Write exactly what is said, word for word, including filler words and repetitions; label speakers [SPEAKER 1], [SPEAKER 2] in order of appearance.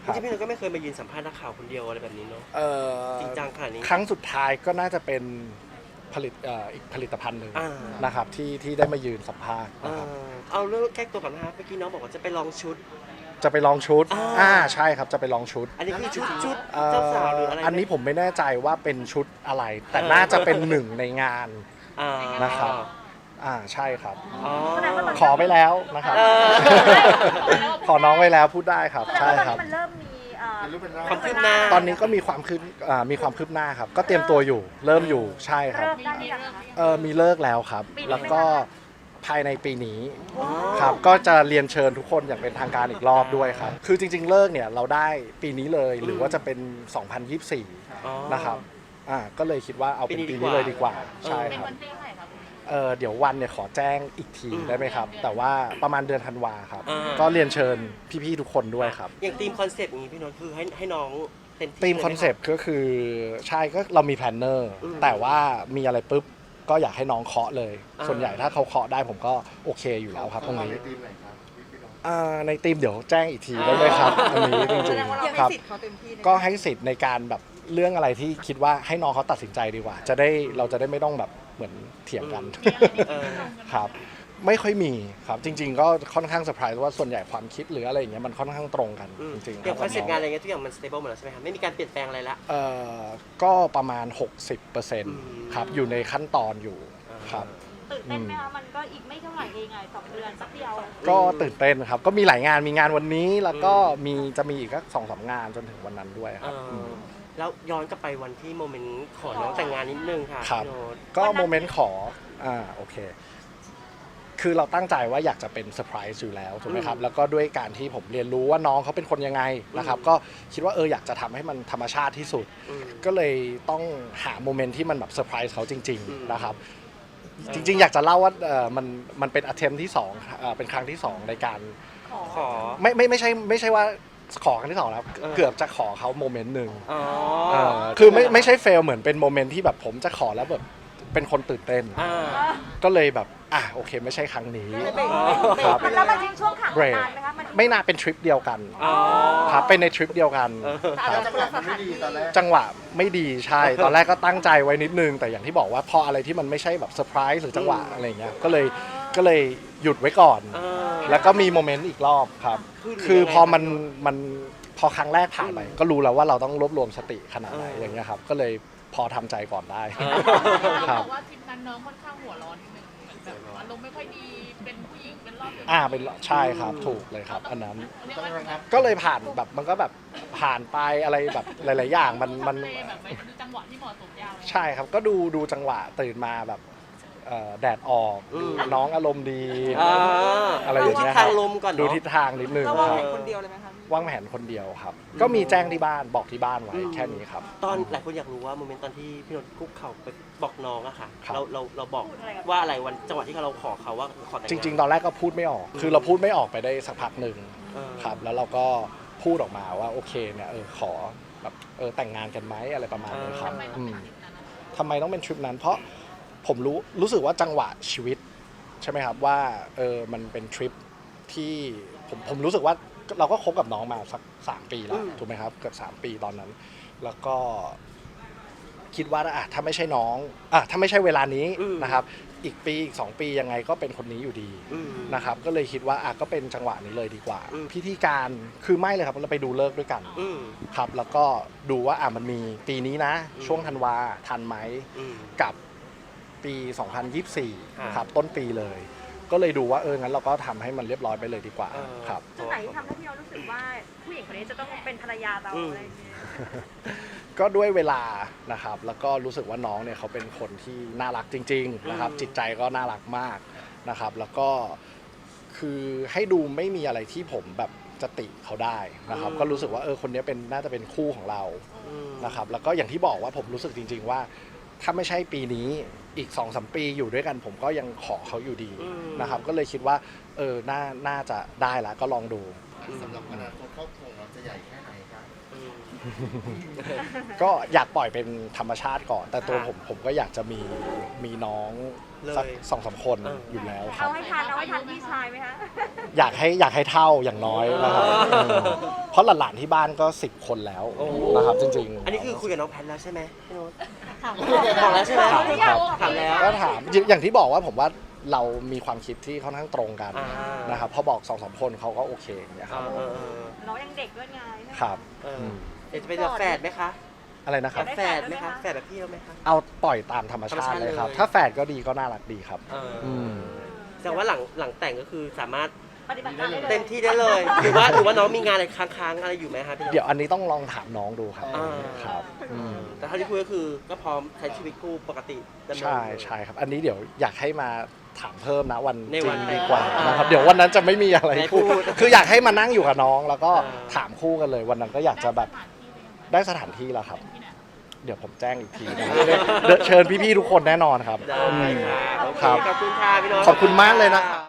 [SPEAKER 1] จริงๆพี่นนท์ก็ไม่เคยมายืนสัมภาษณ์นักข่าวคนเดียวอะไรแบบนี้เนาะ
[SPEAKER 2] เอ่อ
[SPEAKER 1] จริงจังขนาดนี้
[SPEAKER 2] ครั้งสุดท้ายก็น่าจะเป็นผลิตเอ่ออีกผลิตภัณฑ์หนึ่ง
[SPEAKER 1] อ่า
[SPEAKER 2] นะครับที่ที่ได้มายืนสัมภาษณ์
[SPEAKER 1] เอ
[SPEAKER 2] นะครับ
[SPEAKER 1] อเอาเรื่องแก้ตัวก่อนนะครับเมื่อกี้น้องบอกว่าจะไปลองชุด
[SPEAKER 2] จะไปลองชุด
[SPEAKER 1] อ่า
[SPEAKER 2] อ่าใช่ครับจะไปลองชุด
[SPEAKER 1] อันนี้คือชุดชุด
[SPEAKER 2] เอ่อ
[SPEAKER 1] เจ้าสาวหรืออะไร
[SPEAKER 2] อันนี้ผมไม่แน่ใจว่าเป็นชุดอะไร แต่
[SPEAKER 1] เออ
[SPEAKER 2] น่าจะเป็นหนึ่งในงาน
[SPEAKER 1] อ่า
[SPEAKER 2] นะครับ อ่าใช่ครับ
[SPEAKER 1] อ๋อ
[SPEAKER 2] ขอไปแล้วนะครับ
[SPEAKER 1] เออ
[SPEAKER 2] ขอน้องไว้แล้วพูดได้ครับ
[SPEAKER 3] แสดง
[SPEAKER 2] ใช่
[SPEAKER 3] ว่าตอน
[SPEAKER 2] ครับ
[SPEAKER 3] นี้มันเริ่มมีเอ่อ
[SPEAKER 1] ความคืบหน้า
[SPEAKER 2] ตอนนี้ก็มีความคืบอ่ามีความคืบหน้าครับ ก็เตรียมตัวอยู่ เริ่มอยู่ใช่ครับ
[SPEAKER 3] เริ่มได้หรือยังคะ
[SPEAKER 2] เออมีเลิกแล้วครับ
[SPEAKER 3] ปีนี้
[SPEAKER 2] แล้วก็ภายในปีนี้
[SPEAKER 1] อ๋อ
[SPEAKER 2] ครับก็จะเรียนเชิญทุกคนอย่างเป็นทางการอีกรอบด้วยครับ คือจริงๆเลิกเนี่ยเราได้ปีนี้เลยหรือว่าจะเป็น สองพันยี่สิบสี่
[SPEAKER 1] อ๋อ
[SPEAKER 2] นะครับอ่าก็เลยคิดว่าเอาเป็น
[SPEAKER 1] ปี
[SPEAKER 2] ปี
[SPEAKER 1] นี้
[SPEAKER 2] นี้
[SPEAKER 1] ดีกว่า
[SPEAKER 2] เลยดีกว่า
[SPEAKER 1] เออ
[SPEAKER 2] ใช่ครับเออเดี๋ยววันเนี่ยขอแจ้งอีกที
[SPEAKER 1] อืม
[SPEAKER 2] ได้ไหมครับ แต่ว่าประมาณเดือนธันวาครับ
[SPEAKER 1] อ่า
[SPEAKER 2] ก็เรียนเชิญพี่ๆทุกคนด้วยครับ
[SPEAKER 1] อย่างทีมคอนเซปต์อย่างนี้พี่นนท์คือให้ให้น้องเต็มที่
[SPEAKER 2] ทีม
[SPEAKER 1] ลยไห
[SPEAKER 2] คอนเซปต์ก็คือใช่ก็เรามีแพลนเนอร์
[SPEAKER 1] อืม
[SPEAKER 2] แต่ว่ามีอะไรปุ๊บก็อยากให้น้องเคาะเลย
[SPEAKER 1] อ่า
[SPEAKER 2] ส่วนใหญ่ถ้าเขาเคาะได้ผมก็โอเคอยู่แล้วครับตรงนี้
[SPEAKER 4] ในทีมไหนครับพี่น้อง
[SPEAKER 2] อ่าในทีมเดี๋ยวแจ้งอีกทีได้ไหมครับอันนี้จริงๆครับก็ให้สิทธิ์ในการแบบเรื่องอะไรที่คิดว่าให้น้องเขาตัดสินใจดีกว่า จะได้เราจะได้ไม่ต้องแบบเหมือนเถียงกัน
[SPEAKER 1] เออ
[SPEAKER 2] ครับไม่ค่อยมีครับจริง ๆ ก็ค่อนข้างเซอร์ไพรส์ว่าส่วนใหญ่ความคิดหรืออะไรอย่างเงี้ยมันค่อนข้างตรงกัน
[SPEAKER 1] อืม
[SPEAKER 2] จริงๆ
[SPEAKER 1] อย่างคอนเซ็ปต์งาน
[SPEAKER 2] ค
[SPEAKER 1] อะไร
[SPEAKER 2] รับ
[SPEAKER 1] เงี้ยทุกอย่างมันสเตเบิลหมดแล้วใช่ไหมครับไม่มีการเปลี่ยนแปลงอะไรละ
[SPEAKER 2] เอ่อก็ประมาณ หกสิบเปอร์เซ็นต์
[SPEAKER 1] ม
[SPEAKER 2] ครับอยู่ในขั้นตอนอยู่ครับ
[SPEAKER 3] ตื่นเต้นไหมคะมันก็อีกไม่เท่าไหร่เองไงสองเดือนสักเดียว
[SPEAKER 2] ก็ตื่นเต้นครับก็มีหลายงานมีงานวันนี้แล้วก็มีจะมีอีกสักสองสามงานจนถึงวันนั้นด้วยค
[SPEAKER 1] เอ
[SPEAKER 2] รับ
[SPEAKER 1] อแล้วย้อนกลับไปวันที่โมเมนต์ขอน้องแต่งงานนิดนึงค่ะ
[SPEAKER 2] ครับ
[SPEAKER 1] พี่โน้ต
[SPEAKER 2] ก็โมเมนต์ขออ่าโอเค คือเราตั้งใจว่าอยากจะเป็นเซอร์ไพรส์อยู่แล้วถูกไหมครับ
[SPEAKER 1] อืม
[SPEAKER 2] แล้วก็ด้วยการที่ผมเรียนรู้ว่าน้องเขาเป็นคนยังไงนะครับ
[SPEAKER 1] อืม
[SPEAKER 2] ก็คิดว่าเอออยากจะทำให้มันธรรมชาติที่สุด
[SPEAKER 1] อืม
[SPEAKER 2] ก็เลยต้องหาโมเมนต์ที่มันแบบเซอร์ไพรส์เขาจริง
[SPEAKER 1] อืม
[SPEAKER 2] ๆ นะครับ
[SPEAKER 1] อ
[SPEAKER 2] จริง ๆ อยากจะเล่าว่าเออมันมันเป็น attempt ที่สองเอ่อเป็นครั้งที่สองในการ
[SPEAKER 1] ขอ
[SPEAKER 2] ไม่ไม่ไม่ใช่ไม่ใช่ว่าขอครั้งที่สองแล้ว
[SPEAKER 1] เออ
[SPEAKER 2] เกือบจะขอเขาโมเมนต์หนึ่ง
[SPEAKER 1] อ๋อ
[SPEAKER 2] เออคือไม่ไม่ใช่เฟลเหมือนเป็นโมเมนต์ที่แบบผมจะขอแล้วแบบเป็นคนตื่นเต้น
[SPEAKER 1] อ่า
[SPEAKER 2] ก็เลยแบบอ่ะโอเคไม่ใช่ครั้งนี้
[SPEAKER 1] อ๋อ
[SPEAKER 2] ครับ
[SPEAKER 3] มันแล้วมันทิ้งช่วงขัง
[SPEAKER 2] เบรก
[SPEAKER 3] นานไหมคะมัน
[SPEAKER 2] ไม่น่าเป็นทริปเดียวกัน
[SPEAKER 1] อ๋อ
[SPEAKER 2] ครับเป็นในทริปเดียวกัน
[SPEAKER 1] เออ
[SPEAKER 2] ครับ
[SPEAKER 4] จังหวะมันไม่ดีตอนแรก
[SPEAKER 2] จังหวะไม่ดีใช่ ตอนแรกก็ตั้งใจไว้นิดนึง แต่อย่างที่บอกว่าพออะไรที่มันไม่ใช่แบบเซอร์ไพรส์หรือจังหวะอะไรอย่างเงี้ยก็เลยก็เลยหยุดไว้ก่อน
[SPEAKER 1] เออ
[SPEAKER 2] แล้วก็มีโมเมนต์อีกรอบครับ
[SPEAKER 1] คือ
[SPEAKER 2] คือพอมัน
[SPEAKER 1] ยังไงครับ
[SPEAKER 2] มันพอครั้งแรกผ่านไป
[SPEAKER 1] อืม
[SPEAKER 2] ก็รู้แล้วว่าเราต้องรวบรวมสติขนาดไหน
[SPEAKER 1] เออ
[SPEAKER 2] อ
[SPEAKER 1] อย่าง
[SPEAKER 2] เงี้ยครับ ก็เลยพอทำใจก่อนได้
[SPEAKER 1] เออ
[SPEAKER 2] ครับ
[SPEAKER 5] บอกว่าทริปนั้นน้องค่อนข้างหัวร้อนนิดนึงเหมือนแบบอารมณ์ไม่ค่อยดีเป็นผู้หญิงเป็นรอบดืน
[SPEAKER 2] อ่าเป็นใช่ครับถูกเลยครับ อันนั้น
[SPEAKER 5] เรียก
[SPEAKER 4] ต้อง
[SPEAKER 5] ว่า
[SPEAKER 4] ระงับ
[SPEAKER 2] ก็เลยผ่านแบบมันก็แบบผ่านไปอะไรแบบหลาย ๆ อย่างมันมัน
[SPEAKER 5] ทำเลแบบไปดูจังหวะที่เหมาะสมยาวเลย
[SPEAKER 2] ใช่ครับก็ดูดูจังหวะตื่นมาแบบเอ่อแดดออก
[SPEAKER 1] อืม
[SPEAKER 2] น้องอารมณ์ดี
[SPEAKER 1] อ่า
[SPEAKER 2] อะไรอย่างเงี้ย
[SPEAKER 1] ดูทิศทางลมก่อนเนอะ
[SPEAKER 2] ดูทิศทางนิดนึง
[SPEAKER 6] เรา
[SPEAKER 2] คว
[SPEAKER 6] าง
[SPEAKER 2] รับ
[SPEAKER 6] แผนคนเดียวเลยไหมคะ
[SPEAKER 2] วางแผนคนเดียวครับ ก็มีแจ้งที่บ้านบอกที่บ้านไว้
[SPEAKER 1] อืม
[SPEAKER 2] แค่นี้ครับ
[SPEAKER 1] ตอนหลายคนอยากรู้ว่าโมเมนต์ตอนที่พี่นนท์คุกเข่าไปบอกน้องอะค่ะ
[SPEAKER 2] ครับ
[SPEAKER 1] เราเราเราบอกว่าอะไรวันจังหวะที่เราขอเขาว่าขอแต่ง
[SPEAKER 2] จ
[SPEAKER 1] งาน
[SPEAKER 2] ริง ๆ ตอนแรกก็พูดไม่ออก คือเราพูดไม่ออกไปได้สักพักหนึ่ง
[SPEAKER 1] เออ
[SPEAKER 2] ครับ แล้วเราก็พูดออกมาว่าโอเคเนี่ยเออขอแบบเออแต่งงานกันไหมอะไรประมาณนี้ครับอืมทำไมต้องเป็นทริปนั้น เพราะผมรู้รู้สึกว่าจังหวะชีวิตใช่ไหมครับว่าเออมันเป็นทริปที่ผมผมรู้สึกว่าเราก็คบกับน้องมาสักสามปีแล้วถูกไหมครับเกือบสามปีตอนนั้น แล้วก็คิดว่าอ่ะถ้าไม่ใช่น้องอ่ะถ้าไม่ใช่เวลานี้นะครับ อีกปีอีกสองปียังไงก็เป็นคนนี้อยู่ดี
[SPEAKER 1] อืม
[SPEAKER 2] นะครับก็เลยคิดว่าอ่ะก็เป็นจังหวะนี้เลยดีกว่า พิธีการคือไม่เลยครับเราไปดูเลิกษ์ด้วยกัน
[SPEAKER 1] อืม
[SPEAKER 2] ครับแล้วก็ดูว่าอ่ะมันมีปีนี้นะ
[SPEAKER 1] อืม
[SPEAKER 2] ช่วงธันวาทันไหม
[SPEAKER 1] อืม
[SPEAKER 2] กับปี สองพันยี่สิบสี่
[SPEAKER 1] อ่า
[SPEAKER 2] ครับต้นปีเลย ก็เลยดูว่าเอองั้นเราก็ทำให้มันเรียบร้อยไปเลยดีกว่า
[SPEAKER 1] เออ
[SPEAKER 2] ครับ
[SPEAKER 3] จุดไหนที่ทำให้พี่เรารู้สึกว่าผู้หญิงคนนี้จะต้องเป็นภรรยาเรา
[SPEAKER 1] อืม
[SPEAKER 3] อะไรอย่างเงี้ย
[SPEAKER 2] ก็ด้วยเวลานะครับแล้วก็รู้สึกว่าน้องเนี่ยเขาเป็นคนที่น่ารักจริงๆนะครับจิตใจก็น่ารักมากนะครับ แล้วก็คือให้ดูไม่มีอะไรที่ผมแบบจะติเขาได้นะครับ ก็รู้สึกว่าเออคนนี้เป็นน่าจะเป็นคู่ของเรา
[SPEAKER 1] อืม
[SPEAKER 2] นะครับแล้วก็อย่างที่บอกว่าผมรู้สึกจริง ๆ ว่า ถ้าไม่ใช่ปีนี้อีก สองสาม ปีอยู่ด้วยกัน ผมก็ยังขอเขาอยู่ดี
[SPEAKER 1] อืม
[SPEAKER 2] นะครับ ก็เลยคิดว่าเออน่าน่าจะได้ละก็ลองดู
[SPEAKER 4] สำหรับอนาคตครอบครัวเราจะใหญ่แค่ไหนครับ
[SPEAKER 1] อืม
[SPEAKER 2] ก็อยากปล่อยเป็นธรรมชาติก่อน แต่ตัว
[SPEAKER 1] ค่ะ
[SPEAKER 2] ผมผมก็อยากจะมีมีน้อง
[SPEAKER 1] เลย
[SPEAKER 2] สักสองสามคน
[SPEAKER 1] เออ
[SPEAKER 2] อ
[SPEAKER 1] อ
[SPEAKER 2] ยู่แล้วครั
[SPEAKER 3] เอา
[SPEAKER 2] บ
[SPEAKER 3] ให้ทันเอาให้ทันพี่ชายไหมคะ
[SPEAKER 2] อยากให้อยากให้เท่าอย่างน้อยนะครับ
[SPEAKER 1] อ๋อ
[SPEAKER 2] เออเพราะหลานๆที่บ้านก็สิบคนแล้ว
[SPEAKER 1] โอ้
[SPEAKER 2] นะครับจริงๆ
[SPEAKER 1] อันนี้คือคุยกับน้องแพทแล้วใช่ไหมพี่โน้ต
[SPEAKER 3] ถาม
[SPEAKER 1] บอกแล้วใช่ไหม
[SPEAKER 2] ถามครับ
[SPEAKER 1] ถามแล้ว
[SPEAKER 2] ก็ถามอย่างที่บอกว่าผมว่าเรามีความคิดที่ค่อนข้างตรงกัน
[SPEAKER 1] อ่าน
[SPEAKER 2] นะครับพอบอกสองสามคนเขาก็โอเคอย่างเงี้ยค
[SPEAKER 1] เอ
[SPEAKER 2] รับ
[SPEAKER 1] อเออเออ
[SPEAKER 3] น้องยังเด็กด้วยไง
[SPEAKER 2] ครับ
[SPEAKER 1] เออ
[SPEAKER 2] อืม
[SPEAKER 1] เดี๋ยวจะเป็นแบบแฝดไหมคะ
[SPEAKER 2] อะไรนะครับ
[SPEAKER 1] แบบแฝดไหมคะแฝดแบบพี่เราไหมคะ
[SPEAKER 2] เอาปล่อยตามธรรมชาติเลยครับ
[SPEAKER 1] ธรรมชาติเลย
[SPEAKER 2] ถ้าแฝดก็ดีก็น่ารักดีครับ
[SPEAKER 1] เอออ
[SPEAKER 2] ม
[SPEAKER 1] แสดงว่าหลังหลังแต่งก็คือสามารถ
[SPEAKER 3] ปฏิบัติการได้เลย
[SPEAKER 1] เต็มที่ได้เลย หรือว่าหรือว่าน้องมีงานอะไรค้างๆอะไรอยู่ไหมคะพี่โน้ต
[SPEAKER 2] เดี๋ยวอันนี้ต้องลองถามน้องดูครับ
[SPEAKER 1] อ่า
[SPEAKER 2] ครับอืม
[SPEAKER 1] แต่เท่าที่คุยก็คือก็พร้อมใช้ชีวิตคู่ปกติดำเนิน
[SPEAKER 2] ใช่ใช่ครับ อันนี้เดี๋ยวอยากให้มาถามเพิ่มนะวัน
[SPEAKER 1] ใน
[SPEAKER 2] จ
[SPEAKER 1] วั
[SPEAKER 2] ริ
[SPEAKER 1] น
[SPEAKER 2] งดีกว่า
[SPEAKER 1] อ่าน
[SPEAKER 2] นะครับเดี๋ยววันนั้นจะไม่มีอะไร
[SPEAKER 1] ไม่
[SPEAKER 2] พูด
[SPEAKER 1] พูด
[SPEAKER 2] คืออยากให้มานั่งอยู่กับน้อง แล้วก็
[SPEAKER 1] อ่า
[SPEAKER 2] ถามคู่กันเลย วันนั้นก็อยากจะแบบ
[SPEAKER 5] ได้สถานที่หรือยัง
[SPEAKER 2] ได้สถานที่แล้วครับ
[SPEAKER 5] ที่ไหน
[SPEAKER 2] เดี๋ยวผมแจ้งอีกทีนะเดี๋ยวเชิญพี่ๆทุกคนแน่นอนครับ
[SPEAKER 1] ได้
[SPEAKER 2] อืม
[SPEAKER 1] ค่ะโอเค
[SPEAKER 2] ครับ
[SPEAKER 1] ขอบคุณค่ะพี่โน้ต
[SPEAKER 2] ขอบคุณมากเลยนะครับ